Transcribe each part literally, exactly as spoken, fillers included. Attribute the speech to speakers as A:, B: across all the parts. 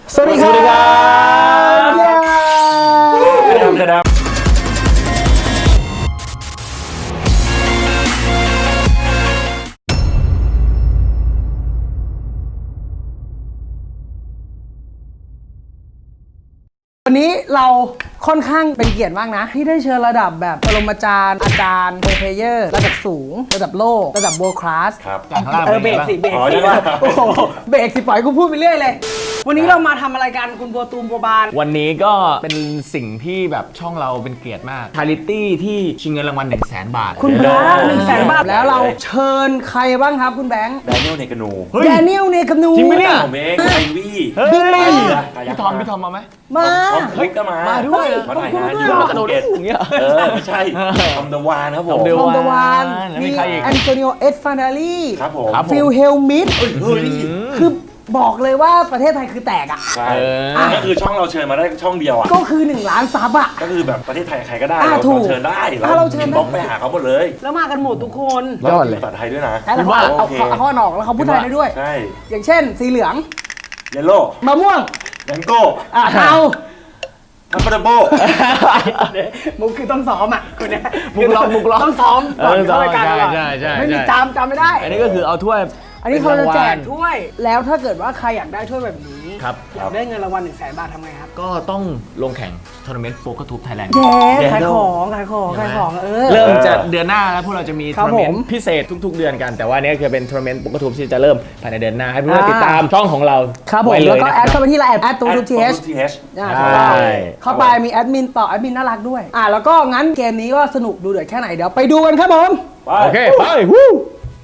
A: สวัสดีครับกระดำกระดำวันนี้เราค่อนข้างเป็นเกียรติมากนะที่ได้เชิญระดับแบบปรมาจารย์อาจารย์โปรเพเยอร์ระดับสูงระดับโลกระดับ world class
B: ครับ
A: เออเบรกสิเบรกสิโอ้โหเบรกสิปล่อยกูพูดไปเรื่อยเลยวันนี้เรามาทำอะไรกันคุณบัวตูมบัวบาน
C: วันนี้ก็เป็นสิ่งที่แบบช่องเราเป็นเกียรติมากชาริตี้ที่ชิงเงินรางวัลหนึ่งแสนบาท
A: คุณพระหนึ่งแสนบาทแล้วเราเชิญใครบ้างครับคุณแบงค์
B: แดเนียลเนกานู
A: แดเนียลเนกานู
C: จริงไหมเนี่ย
B: ผมเองไอวี่
A: บิ๊กแมน
C: พี่ทอมพี่ทอมมาไหม
A: มา
B: เฮ้ยก็มา
C: มาด้วย
B: มาถ่ายงานอยู่
C: กระโดดอย่างเงี้ย
B: เออไม่ใช่ทอมเดวานครับผม
A: ทอมเดวานมี
C: มีใครอีก
A: แอนโตนิโอเอสฟานาลี
B: ครับผม
A: ฟิลเฮลมิดคือบอกเลยว่าประเทศไทยคือแตกอ่ะ
B: ใช่ก็คือช่องเราเชิญมาได้ช่องเดียวอ่ะ
A: ก็คือหนึ่งล้านซับอ่ะ
B: ก็คือแบบประเทศไทยใครก็ได้
A: เรา
B: เชิญได้
A: เราเชิญ
B: บล็อกไปหาเขาหมดเลย
A: แล้วมากันหมดทุกคน
B: ยอดเลยภาษาไทยด้วยนะ
A: แล้วว่าเอาเขาออกแล้วเขาพูดไทยได้ด้วย
B: ใช่
A: อย่างเช่นสีเหลือง
B: เยลโล่
A: มะม่วง
B: แมงโก้
A: อ่ะเอา
B: ทัพเปอร์โบ
A: มุกคือต้องซ้อมอ่ะคุณเนี่ย
C: มุกล็อกมุกล็อก
A: ต้องซ้อมก่อนเข้ารายการก่อน
C: ใช่ใช่
A: ไม่มีจำจำไม่ได้
C: อันนี้ก็คือเอาถ้วย
A: อันนี้เขาจะแจกถ้วยแล้วถ้าเกิดว่าใครอยากได้ถ้วยแบบนี้
C: ครับ
A: อยากได้เงินรางวัลหนึ่งแสนบาททำไงครับ
C: ก็ต้องลงแข่งทัวร์นาเมนต์โป๊กเกอร์ทูบไทยแลนด์
A: แย่ขายของขายของขายของเออ
C: เริ่มจะเดือนหน้าแล้วพวกเราจะมีทัวร์นาเมนต์พิเศษทุกๆเดือนกันแต่ว่านี้คือเป็นทัวร์นาเมนต์โป๊กเกอร์ทูบที่จะเริ่มภายในเดือนหน้าให้เพื่อนติดตามช่องของเรา
A: ครับผมแล้วก็แอดเข้าไปที่ไลน์แอดตูทูทีเอชเข้าไปมีแอดมินต่อแอดมินน่ารักด้วยอ่ะแล้วก็งั้นเกมนี้ก็สนุกดูเดือดแค่ไหนเดี๋ยวไปดูกันครับผม
C: โอเคไปวู้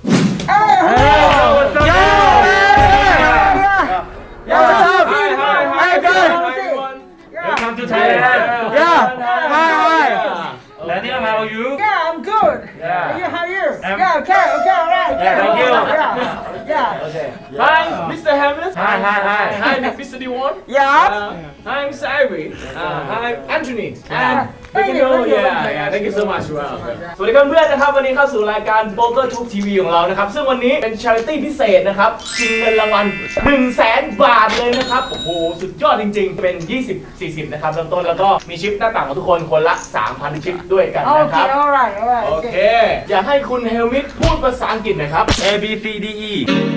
A: Yeah, what's up? Hi, hi, hi, good.
B: Welcome to Thailand.
A: Yeah. Hi, hi.
B: Daniel, how are you?
A: Yeah, I'm good.
B: Yeah.
A: Are you? How are you? Yeah, okay, okay, all right.
B: Yeah, thank you.
A: Yeah, yeah.
B: Okay.
D: Hi, Mister Hamlet.
B: Hi, hi, hi.
D: Hi, Mister Diwan.
A: Yeah.
D: Uh, hi, Mister Ivy. Uh, hi, Anthony. And thank you. Yeah, yeah. Thank you so much. Well. สวัสดีครับเพื่อนนะครับวันนี้เข้าสู่รายการ Poker Tube ที วี ของเรานะครับซึ่งวันนี้เป็น Charity พิเศษนะครับชิงเงินรางวัล หนึ่งแสน บาทเลยนะครับโอ้โหสุดยอดจริงๆเป็น ยี่สิบ สี่สิบ นะครับเริ่มต้นแล้วก็มีชิปหน้าต่างของทุกคนคนละ สามพัน ชิปด้วยกันนะครับ
A: Okay, all right, all right.
D: โอเคอยากให้คุณเฮลมิทพูดภาษาอังกฤษหน่อยครับ
B: A B C D E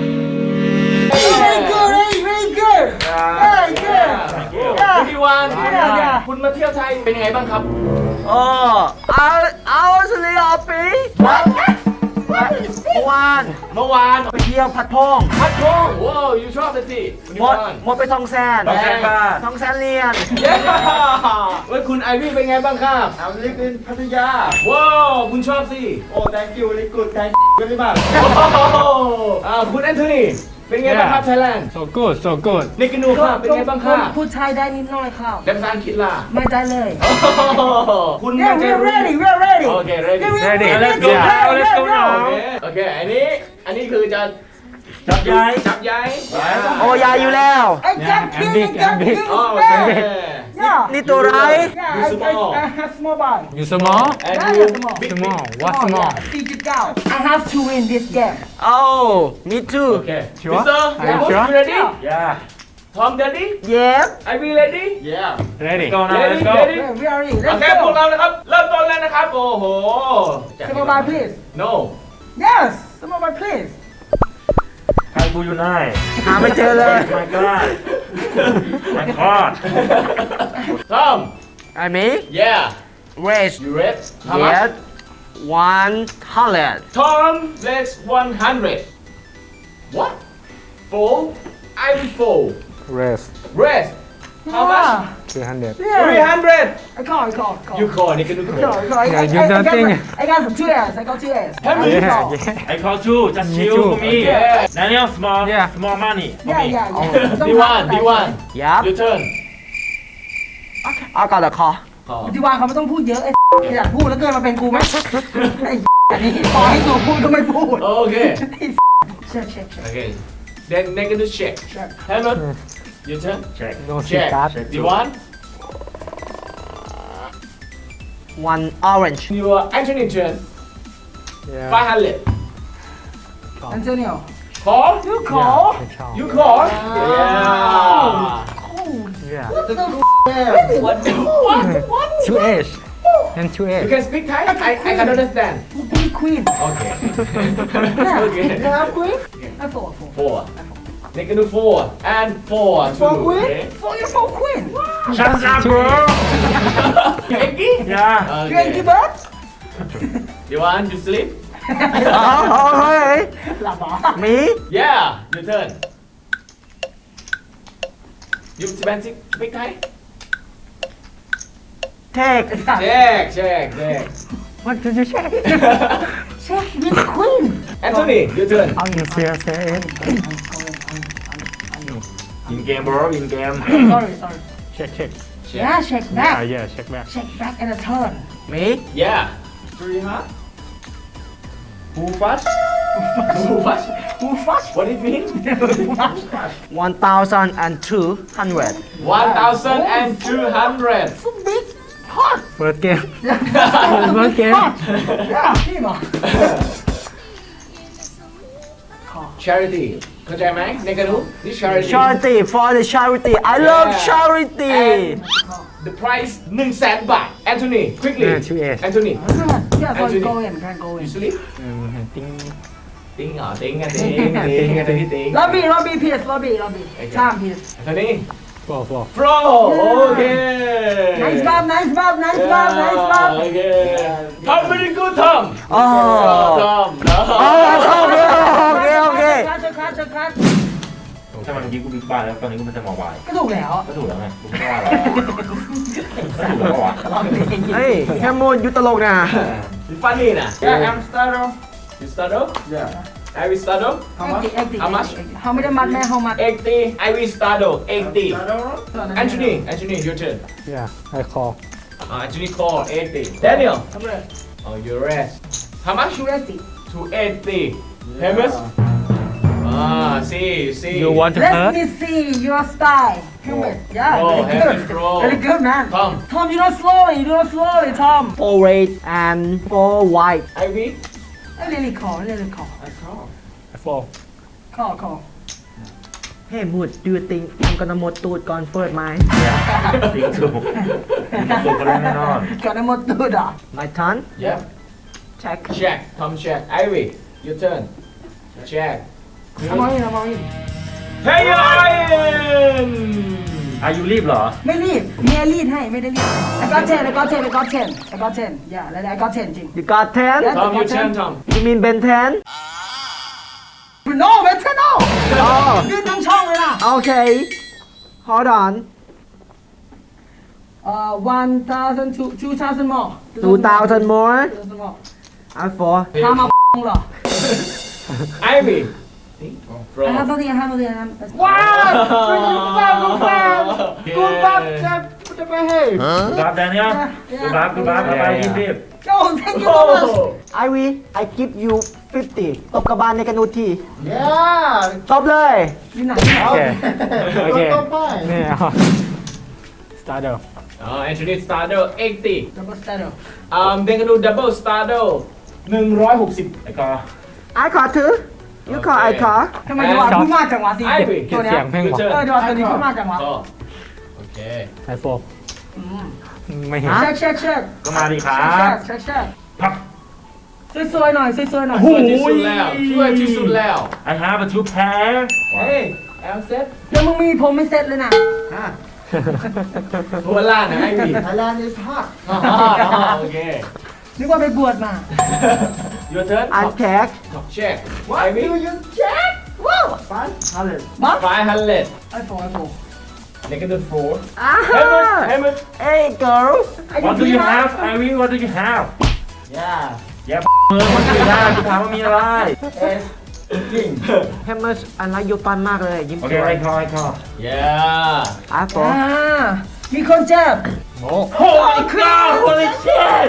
A: Very good, very good. Very good.
D: พี่วานคุณมาเที่ยวไทยเป็นยังไงบ้างครับ
E: Oh, I I was really happy. เมื่อวาน
D: เมื่อวาน
E: ไปเที่ยวพัดพง
D: พัดพงว้าวยูชอบเลยสิ
E: หมดหมดไปทองแสน
B: ทองแสนบาท
E: ทองแสนเรียน
D: เย้เว้ยคุณไอวี่เป็นไงบ้างครับ
E: I'm living in พัทยา
D: ว้าวคุณชอบสิ
E: Oh, thank you, very good, thank you very much.
D: อ่าคุณแอนโทนีเป็นไงบ้างครับไทยแลนด์
F: so good so good
D: เนกินูครับเป็นไงบ้างครับ
A: พูดไทยได้นิดหน่อยครับ
D: และภาษาอังกฤษล่ะ
A: ไม่ได้เลย
D: คุณ
A: Yeah, we're ready, we're ready.
D: โอเค ready
F: Ready.
A: Let's
F: go
A: now, let's go
D: โอ
A: now.
D: เคโอเคอันนี้อันนี้คือจะ
B: จับย้าย
D: จับย้าย
E: โอ้ยายอยู่แล้ว
A: I got king, I got king.
D: อ๋อโอเค
A: Yeah.
E: นี่ตัวไร
A: Yeah, I,
D: small.
A: I, I have small ball.
F: you small
D: and
A: Yeah,
D: you
A: yeah, small.
D: big
F: small
D: big
F: what small
A: สี่จุดเก้า I have to win this game.
E: Oh, me too.
D: Okay
F: Sure?
D: Mister
F: Are you
D: Ramos,
F: sure?
D: you ready
B: Yeah
D: Tom ready
E: Yes.
D: Are we ready
B: Yeah
F: ready
B: Go now
D: ready
B: let's go
D: ready
A: Yeah, we are ready.
D: โอ
A: Let's
D: เคพวก
A: go.
D: เรานะครับเริ่มต้นแล้วนะครับโอ้โห
A: Small ball, please.
D: No
A: Yes, small ball, please.
B: ใครกูอยู่ไหน
E: หาไม่เจอเลย
B: My God My God
D: Tom
E: I mean,
D: Yeah
E: raise.
D: You ready How much
E: Yes. One hundred.
D: Tom let's one hundred What Four I will four
F: rest
D: Rest How much
F: three hundred
D: three hundred
A: I call, I call, I call.
D: You call นี่ก็นึก
A: I
D: ค
A: call,
D: อ
A: I call. I,
F: Yeah,
A: I,
F: you
A: I, I,
F: don't
A: got
F: think-
A: some, I got some two S. I got two S.
D: Have you?
F: yeah
A: call.
F: yeah
B: I call two just
F: Me
B: chill
F: too.
B: for me
D: Yeah.
B: Daniel small
F: Yeah.
B: small money for
A: Yeah,
B: me
A: yeah, yeah.
D: D one D one
E: Yep.
D: Your turn
E: I got the call.
A: ที่วางเขาไม่ต้องพูดเยอะไอ้อยากพูดแล้วเกินมาเป็นกูไหมไอ้อันนี้ปล่อยให้กูพูดก็ไม่พูด
D: โอเค
A: เช็คเช็คเช็ค
D: Okay then negative check
A: Check.
D: Hello Your turn
B: Check
F: no
D: Check
F: card
D: D one
E: One orange.
D: Your Anthony turn
F: yeah
D: five hundred
A: Antonio
D: Call
A: you call
F: yeah
D: You call Yeah
E: the f-
D: What the what what
F: two H and two
D: You
F: H
D: can speak Thai I I can understand
A: พี่ควีน
D: Okay
A: เนี่ย
D: Okay
A: นะครับควีนไอ้โฟร์โฟร์
D: four they can do four and four
A: For
D: two
A: queen?
D: okay
A: โฟร์ยูโฟร์ควีน
B: Shut up bro
D: Eggy
B: Yeah
A: เกรนกิเบิร์ด
D: You want to sleep
E: Oh, okay.
A: หลับเหรอ
E: Me?
D: Yeah your turn You speak speak Thai
E: Take.
D: Check check check
E: What did you say?
A: เช็ควินควีน
D: Anthony your turn
F: How you say say it
B: in game bro in game
A: sorry sorry
F: check check
A: yeah check back
F: yeah yeah check back
A: check back and a turn
E: Me?
D: Yeah three huh Who fast Who fast
A: who first
D: What it mean
E: One thousand and two hundred.
D: one thousand and two hundred
A: so big hot
F: first game
A: first
F: game
A: yeah พี่หมอ
D: Charity เข้าใจไหมในกระดูนี่ charity
E: Charity for the charity. I love
D: Yeah.
E: charity.
D: And the price หนึ่งแสนบาท Anthony quickly
F: Yeah, two H.
D: Anthony
A: yeah so
D: Anthony.
A: go in can go in
D: you sleep
F: ting
D: ติ้งเหรอติ้งอะติ้งติ้งอะติ้งติ้ง
A: lobby lobby please lobby lobby ชาม please
D: Anthony
F: four four
D: Pro okay
A: nice bob nice bob nice bob nice bob
D: okay Tom very good Tom
E: Oh.
D: Tom
E: Oh, okay, okay, okay.
A: คัดคัดคัดคัด
B: ถ้ามันเมื่อกี้กูบิ๊กบ้านแล้วตอนนี้กูเป็นสมอลวาย
A: ก็ถูกแล้ว
B: ก็ถูกแล้วไงกูไม่ได้ว่าอะไรก็ถูกแล้วก็วะ
E: Hey, come on, you ตลกนะ
D: You funny นะ Yeah I'm starter You starter Yeah I will starter
A: How much
D: How much
A: how ไม่ได้มัดแม่ how much
D: eighty I will starter eighty Anthony Anthony your turn
F: yeah I call
D: Uh, Anthony call eighty. Daniel. Oh, you rest. How much?
A: two eighty
D: two eighty. Famous? Ah, see, see.
F: you want to
A: let
F: hurt
A: me see your style helmet yeah
D: Oh,
A: very
D: helmet
A: good
D: pro.
A: very good man
D: Tom.
A: Tom you don't slowly you don't slowly Tom
E: Four red and four white.
D: Ivy.
A: I really call really call
F: four
A: call call
E: Hey, Mood, do you think I'm gonna หมดตูดก่อนเปิดไหม
B: ติ๊กถูกติ๊กถูกกันแน่นอน
A: ก่อนจะหมดตูดอ่ะ
E: My turn.
D: Yeah.
E: Check.
D: Check. Tom check. Ivy. Your turn. Check.
A: เอามาอีกเอามาอีก
D: Hey, Ryan.
B: อายุรีบเหรอ
A: ไม่รีบเมียรีดให้ไม่ได้รีดไอ้ก็เทนไอ้ก็เทนไอ้ก็เทนไอ้ก็เทนอย่าแล้วไอ้ก็เทนจริง
E: You got ten?
A: Yeah.
D: Tom, your turn, Tom.
E: You mean Ben ten?
A: no เวทโน่
E: Oh,
A: ยืนทั้งช่องเลยนะ
E: okay. Hold on.
A: เอ่อ one thousand two two thousand more
E: Two thousand more.
A: two thousand more
E: I'm four.
A: พามาเหรอ
D: Ivy.
A: อ่ะห้า
D: From.
A: ตัวเดียวห้าตัวเดียวนะว้าวกูบ้ากูบ้ากูบ้าจะจะไปให้
B: กูรับแดเนียลกูรับกูรับเอาไปรีบรีบ
A: โอ้ thank you so much
D: Oh.
E: Ivy, I give you fifty. ตบกระบาลในกระนูที
A: yeah
E: ตบเลย
A: อยู่ไหน
F: okay okay yeah starter
D: Oh, Anthony starter eighty.
A: double starter
D: Um, เดนกันดู double starter หนึ่งร้อยหกสิบ
B: ไอ้กอ
E: I ขอถือ You ขอ I ขอ
A: ทำไมจังหวะพูดมากจังหวะสิ
D: Ivy
A: ตัวเนี้
F: เสี
A: ย
F: ยงเพลงบอก
A: เออจังหวะตัวนี้พูดมากจังหวะ
D: ก็โอเค
F: I four ไม่เห็น
A: เช็คเช็คเช็ค
B: ก็มาดีครั
A: เช็
B: บ
A: คเช็คเช็ค
B: พับ
A: สวยๆหน่อยสวยๆหน่อย
D: ช่วยที่สุดแล้วช่วยที่สุดแล้ว
B: I have a two pair
D: เฮ้ยแอลเซ็ต
A: เดี๋ยวมึงมีผมไม่เซ็ตเลยนะ
D: หัวล่างนะไอ้พี่
A: Thailand is hot
D: อ๋อโอเค
A: นึกว่าไปบวชมา
D: Your turn
E: I check.
D: check What do you check
A: ว้าว บัฟ
D: five hundred
A: ไอโฟนไอโฟน
D: negative four
E: Ah!
D: Hammer
E: Hey, girl.
B: What do you have Ivy What do you have
A: yeah
B: แย่มือคนอื่นได้กูถามว่ามีอะไร
E: Hammers, I like your fun มากเลย ยิ้ม
B: โอ
E: ส
B: เค
E: วย
B: ไอ้คอไอ้คอ
D: yeah
E: I four.
A: อ่ามีคนเจ็บ
B: Holy cow Holy shit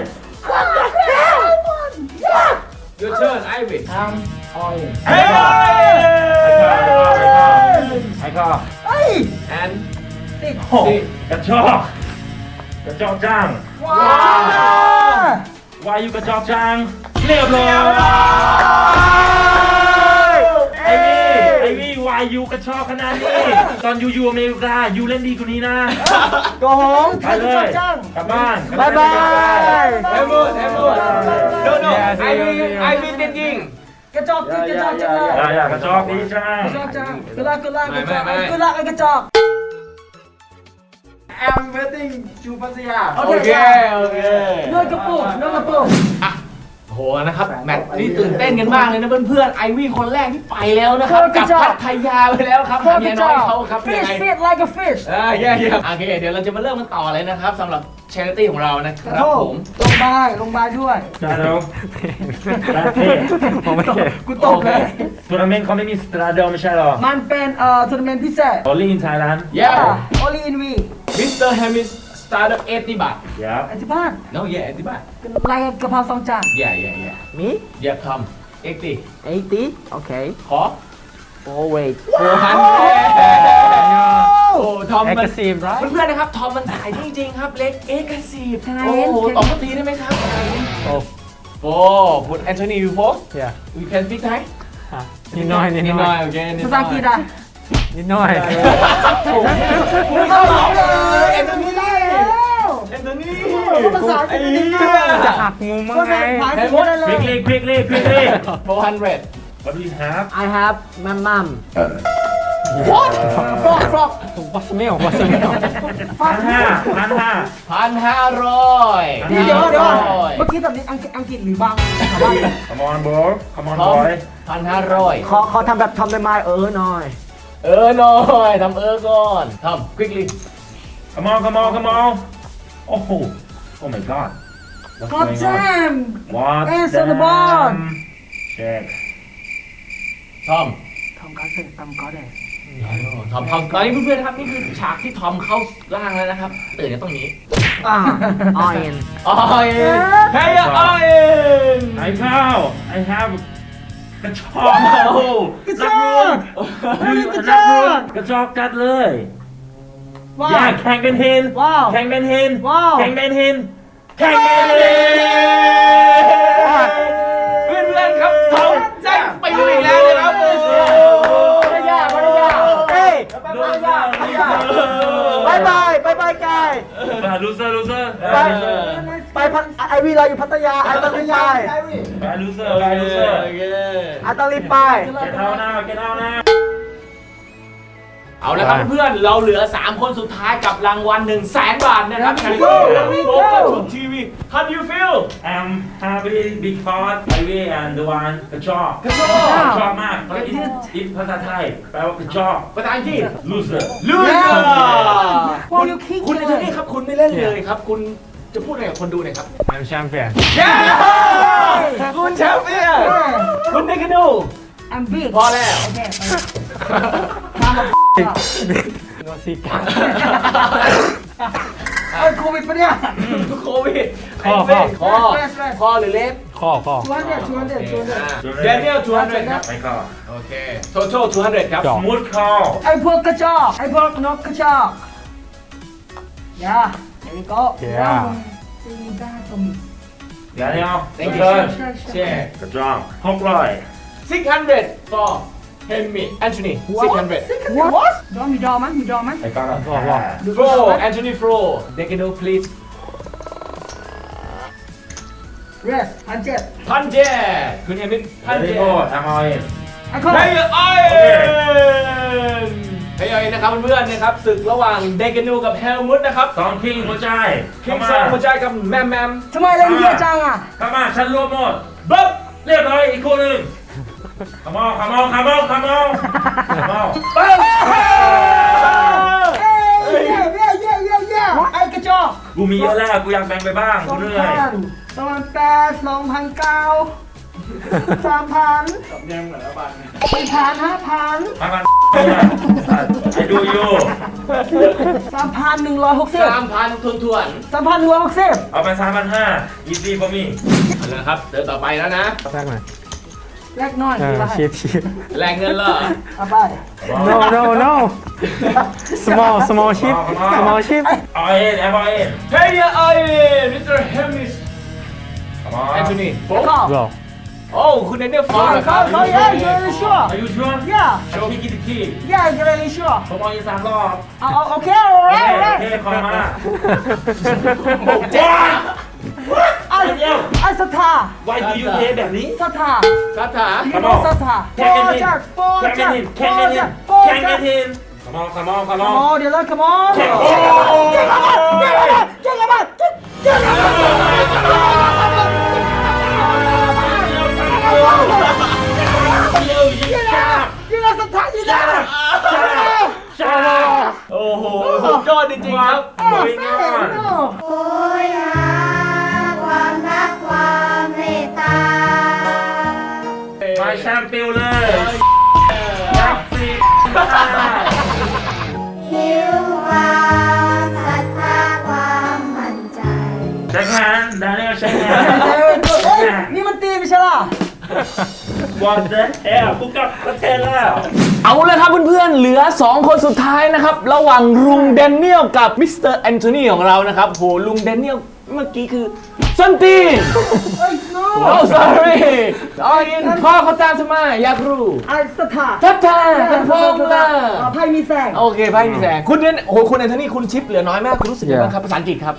D: Your turn Ivy
A: ทำออย
B: ไอ้คอไอ้คอ
A: เฮ้ย
D: and
A: ติด
B: โอ้กระจอกกระจอกจัง
A: ว้าว
B: วายุกระจอกจังเรียบร้อยไอ้นี่ไอ้นี่วาายยูกระชอกขนาดนี้ ตอนยูอยู่อเมริกายูเล่นดีกว่านี้นะ
E: โกหก
B: ไปเลยกลับบ้าน
E: บายบาย
D: แฮมบูดแฮมบูด no no I mean I mean จริง
A: กระจอกจริงกระจอกจังเลย
B: อย่าอย่ากระชอกดีจัง
A: กระจอกจังกระลากกระลากกระจอก
D: ไม่ไม่ไม่
A: กระลากกระจอก
E: I'm waiting to พัทยา
D: โอเคโอเค
A: เนื้อกระปุกเนื้อกระปุก
D: อ่ะโหนะครับแมตช์นี้ตื่นเต้นกันมากเลยนะเพื่อนๆไอวี่คนแรกที่ไปแล้วนะครับกลับพัทยาไปแล้วครับเมียน้อยเขาครับยัง
A: fish
D: ไง
A: fit like a fish
D: อ่าเย่เย่โอเคเดี๋ยวเราจะมาเริ่มกันต่อเลยนะครับสำหรับ charity ของเรานะครับผม
A: ลงบายลงบายด้วย
B: จ้าเร็วประเทศ
F: ผมไม่เห็น
A: กูตกเลย
B: ทัวร์นาเมนต์เขาไม่มีสตราเดลไม่ใช่หรอ
A: มันเป็นเอ่อทัวร์นาเมนต์พิเศษ
B: Only in Thailand
D: เย่
A: only in we
D: มิสเตอร์แฮมิส startup เอติบาท
B: yeah
A: อธิบาย
D: no yeah เอติบาท
A: รายกะเพราสองจาน
D: yeah yeah yeah
E: มี
D: yeah come เอติ
E: eighty โอเค
D: ขอ
E: oh wait
D: โอ้ฮันโอ้ทอมมัน
F: aggressive right
D: เพื่อนๆนะครับทอมมันสายจริงๆครับเล็กเอ็กซ์ซีฟโอ้โหตอบสักทีได้ไหมครับ
F: oh
D: โอ้พุทแอนโทนียูโฟ
F: yeah
D: we can speak Thai
F: อ่ะนิดหน่อยนิด
D: นิด
F: ห
D: ห
F: น่
D: น่
F: อ
D: อย ยโอเคนิด
A: ภา
D: หน่
A: ษา
D: อย
A: อังกฤษอ่ะ
F: นิดหน่อย
A: ไม่เข้าหรอกเลยเอ็นโทนีแล้ว
D: แอนโทนี
A: ภาษาอังกฤษนิดหน่อย
F: จะหักมุมมั้ง
A: ก็
F: ไง
A: แบบผ่านที่ได้เลย
B: quickly quickly quickly
D: four hundred
B: what do you have
E: I have my mom
A: what ฟรอกฟรอก
F: what's the meal what's the meal
B: พันห้าพันห้า
D: พันห้าร้อย
A: เดี๋ยวเดี๋ยวเมื่อกี้แบบนี้อังกฤษอังกฤษหรือบาง
B: come on bro come on
D: พร้อม
B: boy
D: พันห้าร้อย
E: ขอขอทำแบบทำได้ไหมเออหน่อย
D: เออหน่อยทำเออก่อนทำ quickly
B: come on come on come on oh oh my god What's
A: God
B: going on?
A: damn
B: What
A: Hands on the
B: damn?
A: ball.
B: Check
D: ทอม
A: ทำการเสร็จทำก็ได้
D: ทอมทอมตอนนี้เพื่อนๆนะครับนี่คือฉากที่ทอมเข้าร่างแล้วนะครับตื่นกันตรงนี้
E: อ่า iron
D: ออยเฮ้ยออย
B: ไอ้ข้าว I have กระชอก
A: กระจอก
B: นักรุน
A: กระจอก
B: กระจอกจัดเลย
A: ว้า
B: อย่าว แข่งเป็นเฮน
A: ว้าว
B: แข่งเป็นเฮน
A: ว้าว
B: แข่งเป็นเฮนแข่งเป็นเฮน
D: เพื่อนๆครับทอมได้ไปเลยแล้วนะครับโอ้
E: ภรรยาภรรยาเฮ้ยภรรยาภรรยาบายบายบายบายกาย
B: ลูเซอร์ลูเซอร์
E: ไปไปพัทไอวีเราอยู่พัทยาไอต้องรีบไป
B: ไปลูเซอร์ไปลูเซอร์
D: โอเค
E: ไอต้องรีบไป
B: Get out now Get out now
D: เอาละครับเพื่อนๆเราเหลือสามคนสุดท้ายกับรางวัลหนึ่งแสนบาทนะครับ
A: Here we go Here we
D: โบ
A: go
D: กัทุกทีวี How do you feel
B: I'm happy because I will and the one กระจอก
D: กระโด
B: กระ
D: ด
B: จอกมากอินอินภาษาไทยแปลว่ากระจอก
D: ภาษาอังกฤษ
B: loser
D: ลูเซอร์
A: Wow, you kick
D: คุณ
A: it.
D: ในที่นี่ครับคุณไม่เล่นเลยครับ คุณจะพูดอะไรกับคนดูหน่อยครับ
F: I'm champion
D: คุณแชมป์เนี่ยคุณได้กันดู
A: I'm big
D: พอแล้ว
A: โอเคมามา
F: โนซิกา
A: เอ้ยโควิดปะเนี่ย
D: โควิด
F: ข้อ
D: ไอ้เฟ้คอ
A: แรดแรด
D: คอหรือเล็บ
F: ข้อข้อ
A: ชวนเด็ดชวนเด็ดชวนเด็ด
D: เดนเนียลทูฮันเดรครับ
B: ไม่ก็
D: โอเค total ทูฮันเดรครับ
F: จบ
B: smooth call
A: ไอ้พวกกระจอกไอ้พวกนกกระจอกอย่าเดี๋ยวก็
F: Yeah
A: ตีด้าตรง
B: เดี๋ยวเดี๋ยว
D: thank
B: เดิ
D: you
B: น
D: แชร์
B: กระจอกหกร้อย
D: six hundred for Henry Anthony six hundred
A: What ดอมมีดอมมั้ยมีดอมมั้ย
B: ไอ้ก้อน
F: บอกว่า
D: Fro Anthony Fro they can do please
A: เรสพันเจ็ด
D: พันเจคุณเอมินพั
B: พั
D: น
B: น
D: เจ
B: เจ็ดแอมไอ
A: ไอ้คน
D: เฮ้ยไอเฮ้ยนะครับเพื่อนๆนะครับศึกระหว่างเดกานูกับเฮลมุตนะครับ
B: สองคิงหัวใจ
D: คิ
B: เข้าง มา
D: ซองหัวใจกับแมมแมม
A: ทำไมเล่นเยอะจังอ่ะ
B: เข้ามาฉันรวมหมด
D: บ๊อบ
B: เรียบร้อยอีกคู่หนึ่งขมอขมอขมอขมอขมอ
D: บ๊อบ
A: เอ้ยเย้เย้เย้เย้เย้ไอ้กระจอก
B: กูมีเยอะแล้วกูอยากแบ่งไปบ้าง
A: ส
B: กู
A: อง
B: เหนื่อย
A: พันสองพันแปดสองพันเก้าสามพัน
D: ยังเหมือนละบาท
A: สี่พันห้าพัน
B: มากันไอ้ดูอยู่
A: สามพันหนึ่งร้อยหกสิบ
D: สามพันทวนทวน
A: สามพันหนึ่งร้อยหกสิบ
B: เอาไปสามพันห้า easy for me
D: ๆเอาละครับเดินต่อไปแล้วนะ
F: แรกหน่อย
A: แลกน้อย
F: เอ
A: มี
F: อ
A: ไร
F: ชีพชีพ
D: แรงเงินเหรอ
A: เอาไป
F: no no no small small ship small ship
B: เอาเอ็นเอาเอ็น
D: เฮ้ยไอมิสเตอร์เฮมิส
B: ขมอ
D: แอนโทนีโฟ
A: เข้า
F: go
D: โอ้คุณเดนเนียลฟอร์
A: Oh,
D: เหรอครับ
A: oh, oh, yeah, you're really sure.
B: Are you sure
A: Yeah,
B: โชว์พี่กิตติคี
A: yeah, you're really sure.
B: ผมเอาอีกสามรอบ
A: Oh, oh, okay,
B: โอ
A: alright,
B: เคโอ
A: alright.
B: เคคอยมา
D: เจ๊
A: I,
B: เดี๋ยว
A: I Sata,
B: Why do you play แบบนี้
A: Sata.
D: คาถา
A: You know Sata.
B: แข่งกัน
A: Four
B: ที
A: jack, four
B: แข่งกัน
A: jack,
B: ทีแข่ง
A: four
B: กันที
A: jack, four
B: แข่งกัน
A: jack.
B: ที Come on come on come
A: Come
B: on
A: on, Dylan, come on.
B: แข่ง
A: Get
B: โอ้
A: him up, get him up, get him up, get get him up.
B: เร็วยิงช้า
A: You know Sata, you
B: ช้า
A: know.
B: ช้าช้า
D: โอ้โหสุดยอดจริงๆครับ
B: Moving on
A: No.
G: โอยหาความรักความเมตตา
B: มาแชมเปี้ยนเลยยักษ์สี
G: หิวความศรัทธาความมั่นใจ
B: ใช้งานดานิเอลใช้งาน
A: เฮ้ยนี่มันตีไม่ใช่ล่ะ
B: What the hell กูกลับประเทศแล้ว
D: เอาเลยครับเพื่อนๆ เหลือ สอง คนสุดท้ายนะครับ ระหว่างลุงแดเนียลกับมิสเตอร์แอนโทนีของเรานะครับโหลุงแดเนียลเมื่อกี้คือส้นตีน
A: เฮ้ย no
D: โอ้ sorry เอาอินพ่อเขาตามฉันมาอยากรู้
A: ไอ้สถา
D: ทัดทาทัดฟองละ
A: ไพ่มีแสง
D: โอเคไพ่มีแสงคุณเดนโอ้โหคุณแอนโทนีคุณชิปเหลือน้อยมาก คุณรู้สึกยังไงบ้างครับภาษาอังกฤษครับ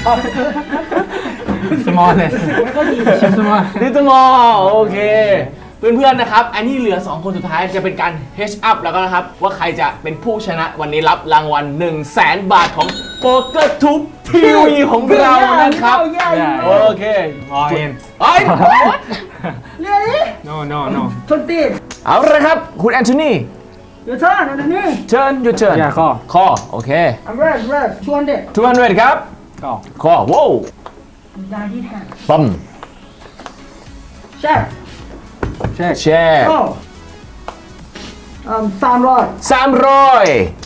F: smallest
A: ไม่ค่อยดี
F: small
D: ดิจิมอลโอเค เพื่อนๆนะครับ อันนี้เหลือ สอง คนสุดท้ายจะเป็นการ H up แล้วก็นะครับ ว่าใครจะเป็นผู้ชนะวันนี้รับรางวัล 1 0 0 0 0แสนบาทของโป๊กเกอร์ทูบทีวีของเรานะครับ โอเค
F: all in
D: ไอ้
A: เรียนี่
F: no no no
A: ชนตีน
D: เอาละครับ คุณแอนโทนี
A: เดี๋ยวเชิญอันนี้
D: เชิญหยุดเชิญ
F: yeah ข้อ
D: ข้อโอเค
A: I'm red red ชวนเด็ก
D: สองร้อยครับ
F: ก็
D: ข้อว้าว
A: ยาที่แทน
D: ปั๊ม
A: แช่
F: เช็ค
D: แชร์
A: โอ้อืมสามร้อย
D: สามร้อย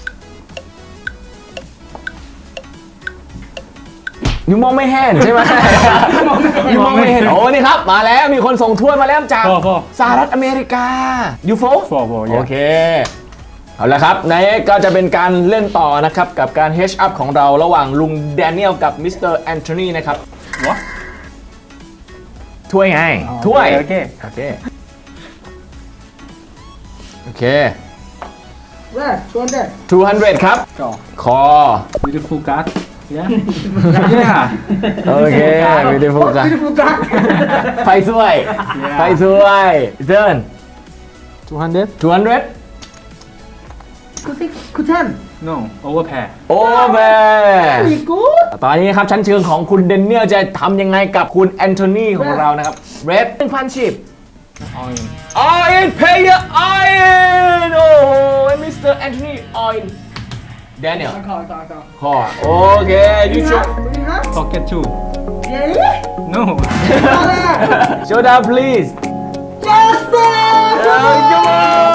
D: ยูมองไม่เห็นใช่ไหม ยูมองไม่เห็นโอ้นี่ครับ มาแล้วมีคนส่งถ้วยมาแล้วจาก
F: โฟโฟ
D: สหรัฐอเมริกายูโฟ
F: โฟโฟ
D: โอเค เอาละครับในก็จะเป็นการเล่นต่อนะครับ กับการ H up ของเราระหว่างลุงแดเนียลกับมิสเตอร์แอนโทนีนะครับ
F: What?
D: ถ้วยไง
F: อ๋อ
D: ถ้วย
F: โอเค
D: โอเค โอเค
A: แรกชวนเด็ก
D: สองร้อยครับ
F: ก็
D: คอ
F: beautiful card yeah yeah
D: โอเคไม่ได้พูดกัน
A: พี่ฟูกัส
D: ไฟสวยไฟสวยเดิน
F: two hundred
D: สองร้อย
A: คุณซิคุณเทน
F: no overpair
D: โอเวอร์
A: มีกูด
D: ตอนนี้ครับชั้นเชิงของคุณเดนเนียลจะทำยังไงกับคุณแอนโทนีของเรานะครับเรดหนึ่งพันชิป
F: all in
D: all in player all in โอ้โหมิสเตอร์แอนโทนี all in แดเนียล
A: ขอขอขอ
D: คอโอเคยูชู
A: นี่ครับ
F: pocket two
A: เดี๋ยวนี้
F: no
A: มาเลย
D: show down please
A: yes sir
D: come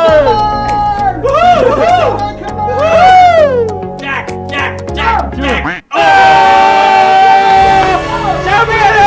D: on
B: Jack Jack Jack Jack
D: แชมเปี้ยน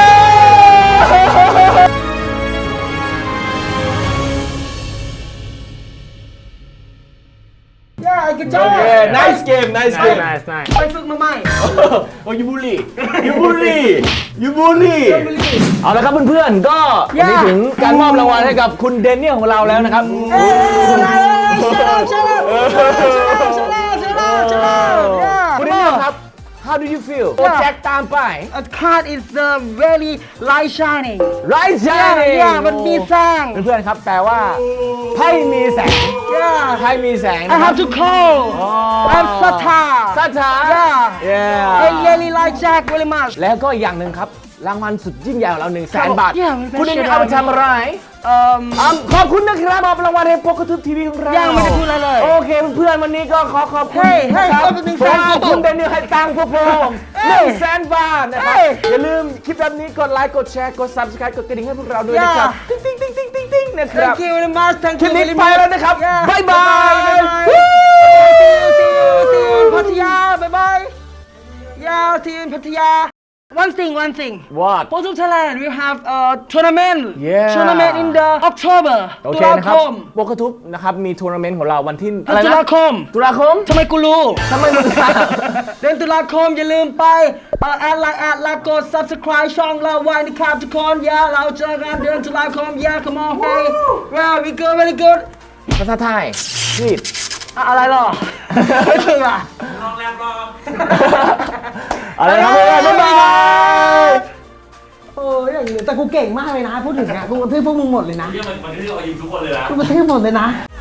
A: ย่าไอ้กระจอ
D: โอก เค nice game nice game
F: nice nice
A: ไปฝึกมาใหม่
D: โอ้ยยูบูลลี่ยูบูลลี่ยูบูลลี่เอาละครับเพื่อนๆก็วันนี้ถึงการมอบรางวัลให้กับคุณเดนเนียลของเราแล้วนะครับ
A: เอ้ยชนะชนะชนะชนะชนะ
D: คุณเดนเนียลครับ how do you feel โปรเจกต์ตามไป
A: A card is uh, very light shining
D: right
A: ย่า
D: shining
A: ย่ามันมีแสง
D: เพื่อนๆครับแปลว่าไพ่มีแสง
A: ย่า
D: ไพ่มีแสง
A: I
D: นะครั
A: have to call I'm Sata
D: สัทธา
A: Yeah I really like Jack very much
D: แล้วก็อีกอย่างหนึ่งครับ รางวัลสุดยิ่งใหญ่ของเราหนึ่งแสนบาท
A: Yeah มันเป็น
D: คุณเดนเนียลเอาไปทำอะไร
A: เอ่อ
D: อ่ะขอบคุณนะครับมอบรางวัลให้โปกกระทุบทีวีของเรา
A: ยังไม่ได้พูดอะไรเลย
D: โอเคเพื่อนๆวันนี้ก็ขอขอบคุณ
A: เฮ้ยเฮ้ย
D: ครับ
A: เอาไปหนึ่งแสน
D: ขอบคุณเดนเนียลให้ตังค์พวกผม
A: เฮ้
D: ห
A: ย
D: นึ่งแสนบาทนะครับ
A: เฮ้ย
D: อย่าลืมคลิปแบบนี้กดไลค์กดแชร์กด subscribe กดกระดิ่งให้พวกเราด้วยนะครับ
A: Yeah
D: ติ๊งติ๊งติ๊งติ๊งติ๊งติ๊งนะครับ
A: Thank you very much Thank
D: คลิ
A: you
D: ปนี้
A: very
D: ไป
A: much
D: แล้วนะครับ
A: Yeah
D: บ๊ายบาย
A: บ๊ายบาย
D: Woo!
A: See you see you see you in พัทยาบ๊ายบาย Yeah see you in พัทยา one thing one thing
C: What
A: Photo Thailand we have a tournament
C: Yeah.
A: tournament in the October
C: โอ
A: ตุ
C: เค
A: ลา
C: นะค
A: ครับ ม
C: โปกทุบนะครับมีทัวร์นาเมนต์ของเราวันที่อะไร
A: ตุ
C: นะ
A: ลาคม
C: ตุลาคม
A: ทำไมกูรู้
C: ทำไมมึงทราบ
A: เดือนตุลาคมอย่าลืมไปเอ่อแอดไลน์แอดแล้วกด subscribe ช่องเราไว้นะครับทุกคนอย่าเราเจอกันเดือนตุลาคมอย่า come on hey wow we good very good
C: ภาษาไทยนี่
A: อะอะไรหรอ ไม่ถึงอ่ะ
B: ลองแรมรอ
C: อะไรครับบ๊ายบาย
A: โอ้ยอย่างนี้แต่กูเก่งมากเลยนะ พูดถึงอ่ะกูกระทืบพวกมึงหมดเลยนะ
B: เรื่องมันมันที่เรายิงทุกคนเลยนะ
A: กูกระทืบหมดเลยนะ
G: อ